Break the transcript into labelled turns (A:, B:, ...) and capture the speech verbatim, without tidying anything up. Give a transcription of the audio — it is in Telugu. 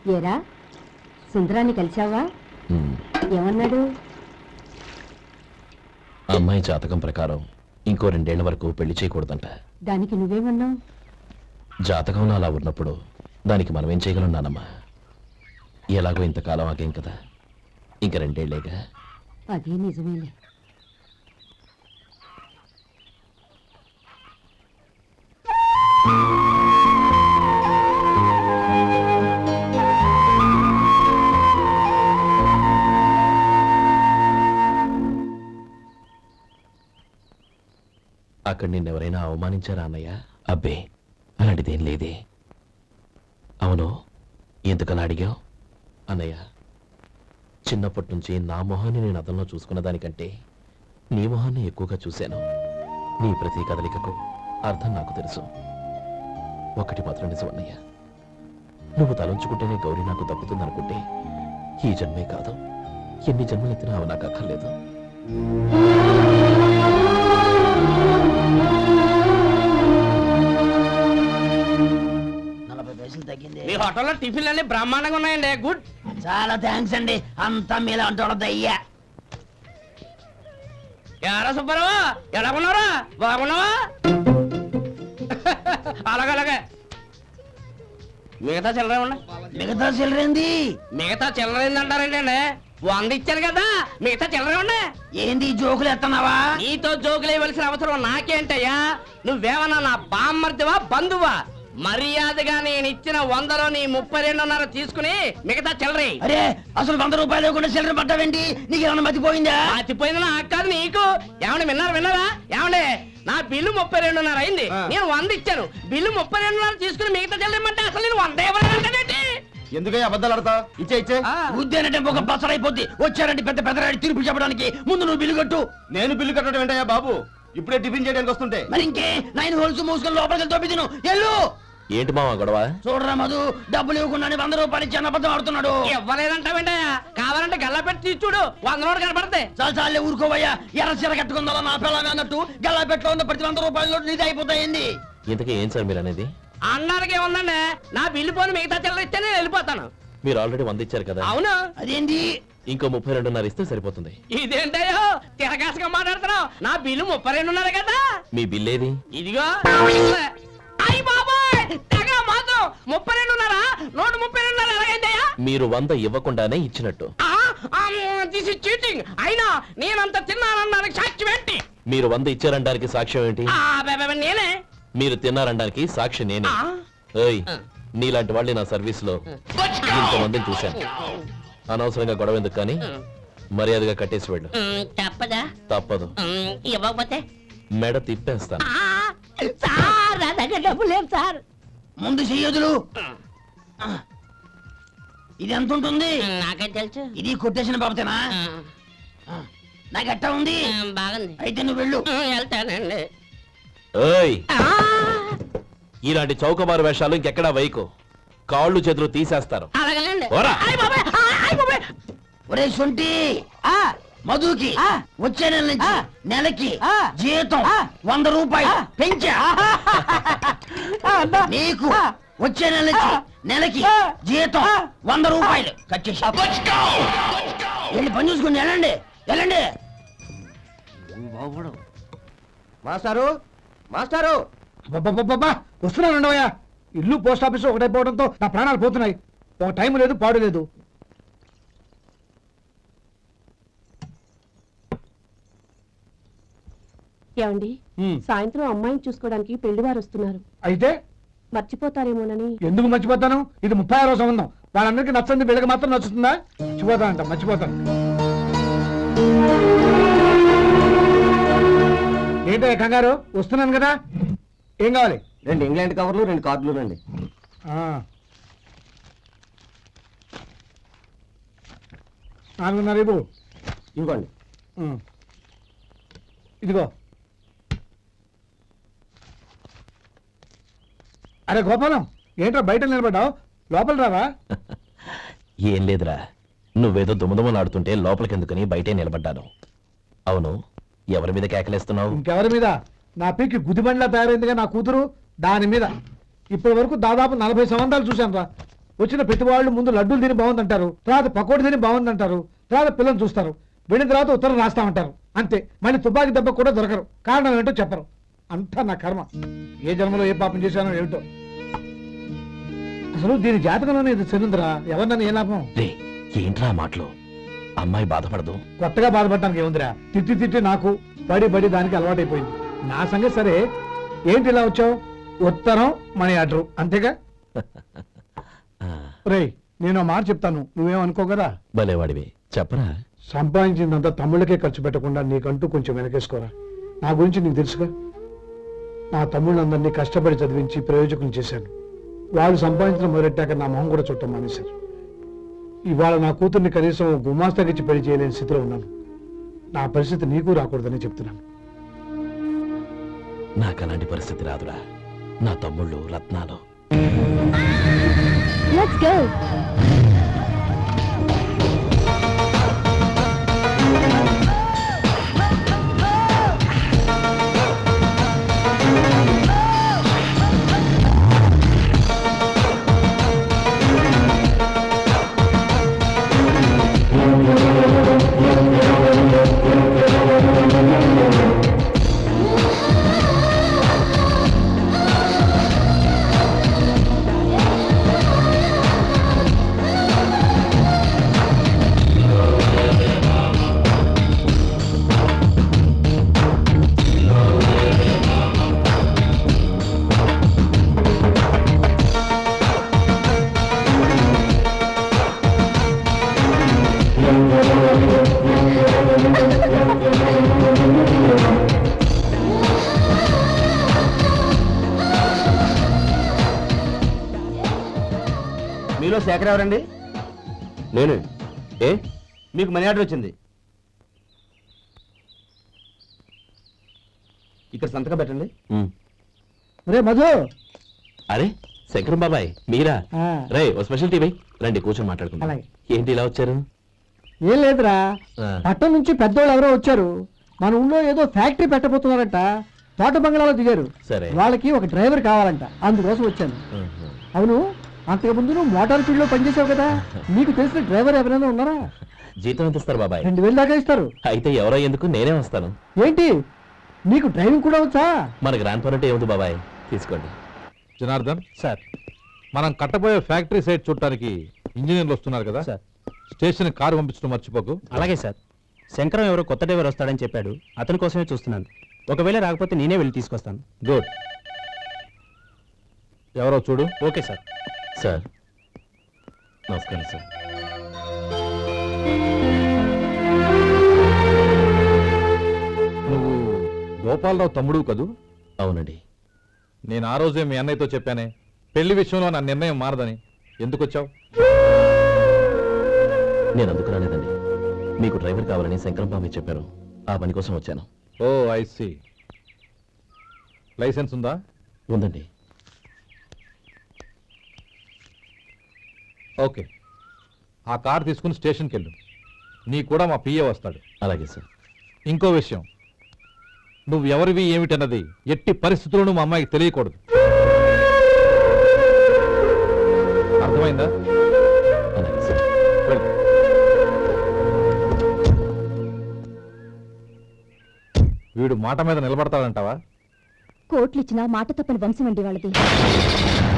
A: ఏరా సుందరాన్ని కలిశావా? ఏమన్నాడు?
B: అమ్మాయి జాతకం ప్రకారం ఇంకో రెండేళ్ల వరకు పెళ్లి చేయకూడదంట.
A: దానికి నువ్వేమన్నావు?
B: జాతకంలో అలా ఉన్నప్పుడు దానికి మనం ఏం చేయగలం నానమ్మా? ఎలాగో ఇంతకాలం ఆగేం కదా, ఇంక రెండేళ్లేగా.
A: అదే నిజమేలే.
B: అక్కడ నిన్నెవరైనా అవమానించారా అన్నయ్య? అబ్బే, అలాంటిదేం లేదే. అవును, ఎందుకలా అడిగావు? అన్నయ్య, చిన్నప్పటి నుంచి నా మొహాన్ని నేను అతనిలో చూసుకున్న దానికంటే నీ మొహాన్ని ఎక్కువగా చూశాను. నీ ప్రతి కదలికకు అర్థం నాకు తెలుసు. ఒకటి మాత్రం నిజం అన్నయ్య, నువ్వు తలంచుకుంటేనే గౌరీ నాకు దక్కుతుందనుకుంటే ఈ జన్మే కాదు, ఎన్ని జన్మలెత్తినా అవి నాకు అక్కర్లేదు.
C: మీ హోటల్లో టిఫిన్లు అన్ని బ్రహ్మాండంగా ఉన్నాయండి. గుడ్,
D: చాలా థ్యాంక్స్ అండి. అంతా మీలా అంటాడయ్యా.
C: ఎరా సుబ్బారావు, ఎలా ఉన్నారా? బాగున్నావా? అలాగే అలాగే. మిగతా చిల్లర ఉన్నాయి.
D: మిగతా చిల్లరేంది?
C: మిగతా చిల్లర ఏందంటారండి అండి? వంద ఇచ్చాను కదా, మిగతా చిల్లర ఉన్నాయి.
D: ఏంది జోకులు ఎత్తన్నావా?
C: నీతో జోకులు వేయవలసిన అవసరం నాకేంటయ్యా? నువ్వేమన్నా నా బామ్మర్దివా, బంధువా? మర్యాదగా నేను ఇచ్చిన వందలో నీ ముప్పై రెండున్నర తీసుకుని మిగతా చిల్లరి.
D: అరే, అసలు వంద రూపాయలు లేకుండా చిల్లర పట్టావేంటి? నీకేమన్నా మతిపోయిందా?
C: మతిపోయింది నాకు కాదు, నీకు. ఏమండి విన్నారా విన్నారా? ఏమండి, నా బిల్లు ముప్పై రెండున్నర అయింది, నేను వంద ఇచ్చాను. బిల్లు ముప్పై రెండున్నర తీసుకుని మిగతా చిల్లరమంటే అసలు నేను వంద ఇవ్వాలంటే
E: ఎందుకై అబద్ధాలు ఆడతావు? ఇచ్చే ఇచ్చే.
D: ఉద్యానంటే ఒక బసరైపోద్ది. వచ్చారంటే పెద్ద పెద్దరాడి తీర్పు చెప్పడానికి ముందు నువ్వు బిల్లు కట్టు.
E: నేను బిల్లు కట్టడం ఏంటయ్యా బాబు? ఇప్పుడే టిఫిన్ చేయడానికి వస్తుంటే.
D: మరి ఇంకే నైన్ హోల్స్ మూసుకొని లోపలికి తోపి తిను. ఎల్లు.
B: ఏంటి మావా గొడవ?
D: చూడరా మధు, డబ్బులు ఇవ్వకుండా వంద రూపాయలు ఇచ్చి అబద్ధం ఆడుతున్నాడు.
C: ఇవ్వలేదంటావేంటయ్యా? కావాలంటే గల్లా పెట్టి తీసి చూడు, వంద నోటు కనపడతాయి.
D: చాలా చాలే ఊరుకోవయ్యా. ఎర్ర చీర కట్టుకుందా నా పిల్లగా అన్నట్టు గల్లా పెట్లో ఉన్న ప్రతి వంద రూపాయల నోటు నీది అయిపోతాయింది.
B: ఇంతకీ ఏం సార్ మీరు అనేది?
C: అన్నారకే ఉందండి, నా బిల్లు పోని మిగతా చిల్లర ఇస్తే నేను వెళ్ళిపోతాను.
B: మీరు ఆల్రెడీ వంద ఇచ్చారు కదా.
C: అవును.
D: అదేంటి?
B: ఇంకో ముప్పై రెండున్నర ఇస్తే సరిపోతుంది.
C: ఇదేంటయ్యో తిరగాసుగా మాట్లాడుతున్నావు? నా బిల్లు ముప్పై రెండున్నర కదా.
B: మీ బిల్ ఏది?
C: ఇదిగో. అయ్యి బాబాయ్, తెగ మాత్రం ముప్పై రెండున్నరా? నూట ముప్పై రెండున్నర ఎలాగైందయ్యా?
B: మీరు వంద ఇవ్వకుండానే ఇచ్చినట్టు.
C: This is cheating. అయినా నేనంత తిన్నానన్నానికి సాక్ష్యం ఏంటి?
B: మీరు వంద ఇచ్చారనడానికి సాక్ష్యం ఏంటి?
C: నేనే.
B: మీరు తిన్నారనడానికి సాక్షి నేనే. ఏయ్, నీలాంటి వాళ్ళని నా సర్వీస్ లో ఇంతమందిని చూశాను. అనవసరంగా గొడవ ఎందుకు కానీ మర్యాదగా కట్టేసి వెళ్ళు.
C: తప్పదా?
B: తప్పదు.
C: ఇవ్వకపోతే
B: మెడ తిప్పేస్తాను.
C: సార్ నా దగ్గర డబ్బు లేదు సార్.
D: ముందు చెయ్యదులు. ఇది ఎంత ఉంటుంది?
C: నాకే తెలుసు.
D: ఇది కొట్టేసిన బాబతేనా? నాకు ఎట్టా ఉంది?
C: బాగుంది.
D: అయితే నువ్వు వెళ్ళు.
C: వెళ్తానండి.
B: ఏయ్, ఇలాంటి చౌకబారు వేషాలు ఇంకెక్కడా వైకు. కాళ్ళు చేతులు తీసేస్తారు.
C: అలాగేనండి.
D: ఒరే సొంటి, మధుకి వచ్చే నెల నుంచి నెలకి జీతం వంద రూపాయలు పెంచా. నీకు వచ్చే నెల నుంచి నెలకి జీతం వంద రూపాయలు కట్ చేసి వెళ్ళి పని చూసుకుని వెళ్ళండి వెళ్ళండి.
E: మాస్టారు, మాస్టారు,
F: వస్తున్నానండవయ్యా. ఇల్లు పోస్ట్ ఆఫీస్ ఒకటైపోవడంతో నా ప్రాణాలు పోతున్నాయి. ఒక టైం లేదు, పాడు లేదు.
A: ఏమండి, సాయంత్రం అమ్మాయిని చూసుకోవడానికి పెళ్లివారు వస్తున్నారు.
F: అయితే
A: మర్చిపోతారేమోనని.
F: ఎందుకు మర్చిపోతాను? ఇది ముప్పై ఆరో సంబంధం. వాళ్ళందరికీ నచ్చంది వీళ్ళకి మాత్రం నచ్చుతుందా? మర్చిపోతానంట, మర్చిపోతాను. ఏంటో కంగారు? వస్తున్నాను కదా. ఏం కావాలి?
E: రెండు ఇంగ్లాండ్ కవర్లు, రెండు కార్డులు రండి.
F: నాలుగున్నర ఇవ్వు.
E: ఇవ్వండి.
F: ఇదిగో. అరే గోపాలం, ఏంట్రా బయట నిలబడ్డావు? లోపల రావా?
B: ఏం లేదురా, నువ్వేదో దుమదుమలాడుతుంటే లోపలికెందుకని బయటే నిలబడ్డాను. అవును, ఎవరి మీద కేకలేస్తున్నావు?
F: ఇంకెవరి మీద? నా పీకి గుదిబండ్లా తయారైందిగా నా కూతురు, దాని మీద. ఇప్పటి వరకు దాదాపు నలభై సంవత్సరాలు చూశాను రా. వచ్చిన ప్రతి వాళ్ళు ముందు లడ్డూలు తిని బాగుందంటారు, తర్వాత పకోడీ తిని బాగుందంటారు, తర్వాత పిల్లలు చూస్తారు, వెళ్ళిన తర్వాత ఉత్తరం రాస్తామంటారు. అంతే, మళ్ళీ తుపాకీ దెబ్బ కూడా దొరకరు. కారణం ఏంటో చెప్పరు. అంతా నా కర్మ. ఏ జన్మలో ఏ పాపం చేశానో ఏమిటో. అసలు దీని జాతకంలోనే ఇది చెందుందిరా. ఎవరినన్నా ఏ లాభం?
B: రే ఏంట్రా ఆ మాటలు? అమ్మాయి బాధపడదు.
F: కొత్తగా బాధపడటానికి ఏముందిరా? తిట్టి తిట్టి నాకు పడి పడి దానికి అలవాటైపోయింది. నా సంగతి సరే, ఏంటి ఇలా వచ్చావు? ఉత్తరం మనీ ఆర్డర్ అంతేగా?
B: ఆ,
F: రేయ్, నేను ఆ మాట చెప్తాను, నువ్వేమనుకో కదా.
B: భలేవాడివి, చెప్పరా.
F: సంపాదించిందంతా తమ్ముళ్ళకే ఖర్చు పెట్టకుండా నీకంటూ కొంచెం వెనకేసుకోరా. నా గురించి నీకు తెలుసుగా. నా తమ్ముళ్ళందరినీ కష్టపడి చదివించి ప్రయోజకులు చేశాను. వాళ్ళు సంపాదించడం మొదలెట్టాక నా మొహం కూడా చుట్టం మానేశారు. ఇవాళ నా కూతుర్ని కనీసం గుమాస్తాకిచ్చి పెళ్లి చేయలేని స్థితిలో ఉన్నాను. నా పరిస్థితి నీకు రాకూడదని చెప్తున్నాను.
B: నాకు అలాంటి పరిస్థితి రాదురా. నా తమ్ముళ్ళు రత్నాలు.
G: Let's go.
E: మీలో శేఖర్ ఎవరండి?
B: నేనే. ఏ
E: మీకు మనీ ఆర్డర్ వచ్చింది. ఇక్కడ సంతకం పెట్టండి.
B: ఉమ్.
F: రే మధు,
B: అరే శంకరం బాబాయ్ మీరా?
F: ఆ.
B: రే ఓ స్పెషల్ టీవీ రండి, కూర్చొని మాట్లాడుకుందాం.
F: అలాగే.
B: ఏంటి ఇలా వచ్చారు?
F: ఏం లేదురా,
B: ఆ.
F: పట్టణం నుంచి పెద్దోళ్ళు ఎవరో వచ్చారు. మన ఊళ్ళో ఏదో ఫ్యాక్టరీ పెట్టబోతున్నారంట. తోట బంగ్లాలో దిగారు.
B: సరే.
F: వాళ్ళకి ఒక డ్రైవర్ కావాలంట, అందుకోసం వచ్చాను.
B: ఉహు.
F: అవును, అంతకు ముందు నువ్వు మోటార్ ఫీల్డ్ లో పనిచేసావు కదా, నీకు తెలిసిన డ్రైవర్ ఎవరైనా ఉన్నారా?
B: జీతం ఎంత ఇస్తారు బాబాయ్?
F: రెండు వేలు దాకా ఇస్తారు.
B: అయితే ఎవరో ఎందుకు, నేనే వస్తాను.
F: ఏంటి, నీకు డ్రైవింగ్ కూడా వచ్చా?
B: మన గ్రాండ్ పరంటే ఏముంది బాబాయ్, తీసుకోండి.
H: జనార్దన్,
B: సార్.
H: మనం కట్టబోయే ఫ్యాక్టరీ సైట్ చూడటానికి ఇంజనీర్లు వస్తున్నారు కదా
C: సార్.
H: స్టేషన్ కారు పంపించడం మర్చిపోకు.
C: అలాగే సార్. శంకరం ఎవరో కొత్త డ్రైవర్ వస్తాడని చెప్పాడు, అతని కోసమే చూస్తున్నాను. ఒకవేళ రాకపోతే నేనే వెళ్ళి తీసుకొస్తాను.
H: గుడ్. ఎవరో చూడు.
C: Okay sir.
B: సార్ నమస్కారం సార్.
H: నువ్వు గోపాలరావు తమ్ముడు కదూ?
B: అవునండి.
H: నేను ఆ రోజే మీ అన్నయ్యతో చెప్పానే, పెళ్లి విషయంలో నా నిర్ణయం మారదని. ఎందుకు వచ్చావు?
B: నేను అందుకు రాలేదండి. మీకు డ్రైవర్ కావాలని శంకరం బాబాయ్ చెప్పారు, ఆ పని కోసం వచ్చాను.
H: ఓ ఐ సీ. లైసెన్స్ ఉందా?
B: ఉందండి.
H: ఓకే, ఆ కార్ తీసుకుని స్టేషన్కి వెళ్ళు. నీ కూడా మా పిఏ వస్తాడు.
B: అలాగే సార్.
H: ఇంకో విషయం, నువ్వు ఎవరివి ఏమిటన్నది ఎట్టి పరిస్థితుల్లోనూ మా అమ్మాయికి తెలియకూడదు. అర్థమైందా?
B: అలాగే సార్.
H: వెళ్ళు. వీడు మాట మీద నిలబడతాడంటావా?
G: కోట్లిచ్చినా మాట తప్పని వంశం అండి వాళ్ళది.